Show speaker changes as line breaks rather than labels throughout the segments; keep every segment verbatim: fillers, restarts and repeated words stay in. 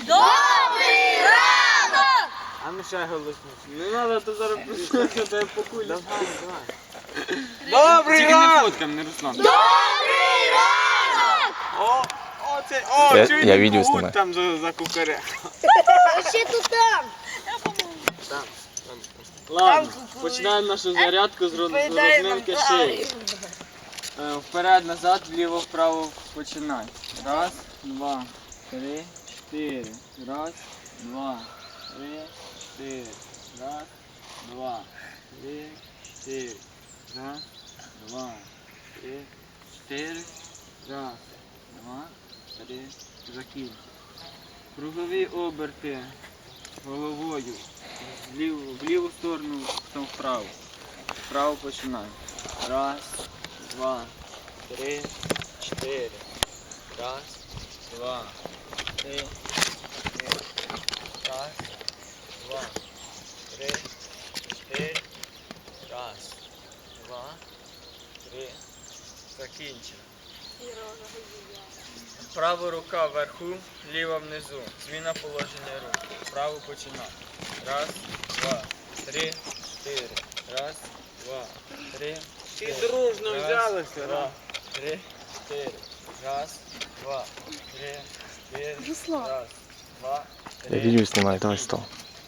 Добрий ранок!
А ну ще голосніше.
Не треба, то зараз просто тебе покулі.
Давай, давай. Добрий
Тільки не
ранок!
фоткам, не Руслан.
Добрий ранок!
О, о, це, о,
Я-
чуєте,
я відео
когут
знімаю.
там за, за кукаря.
Ще тут там.
Там, там.
Ладно, починаємо нашу зарядку з роз- з розминки шиї. Е, Вперед, назад, вліво, вправо починай. Раз, два, три, чотири. Раз, два, три, чотири. Раз, два, три, чотири. Раз, два, три, чотири. Раз, два, три. Закінчуй. Кругові оберти головою. В ліву, в ліву сторону, потім вправо. Вправо починай. Раз, два, три, чотири. Раз, два, три, чотири. Раз, два, три, чотири. Раз, два, три. Закінчено. Права рука вверху, ліва внизу. Зміна положення рук. Право починай. Раз, два, три, чотири. Раз, два, три,
Всі
чотири.
дружно
Раз,
взялися,
два,
да?
три, чотири. Раз, два, три, чотири. Раз, два,
Я
три.
відео знімаю, давай стол.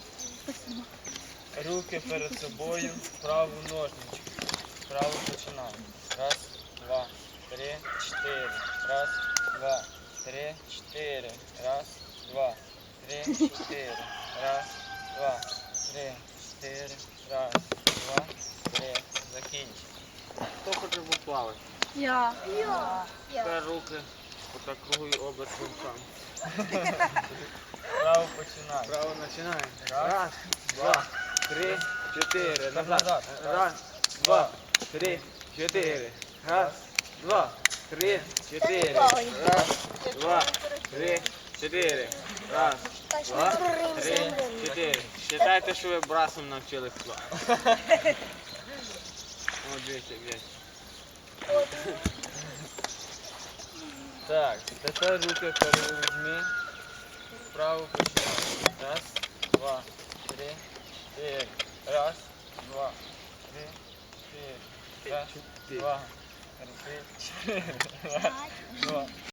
Руки перед собою, праву ножничку. Право починай. Раз, два, три, чотири. Раз, два, три, чотири. Раз, два, три, чотири. Раз, два, три, чотири. Раз, два, три. Закінчи.
Хто хоче поплавати?
Я.
Тепер руки, отак кругові оберт рукам.
Право починай.
Право починаємо.
Раз,
Раз, два, три, чотири. Назад.
Назад.
Раз, два, три, чотири. Раз, два, три, чотири. Раз, два, три, чотири. Раз, два, три, чотири. Считайте, що ви брасом навчились плавати. О, дивіться, дивіться.
Так, тепер руки перевізьми. Вправо починай. Раз, два, три, чотири. Раз, два, три, чотири. Раз, два, три, чотири. Раз, два.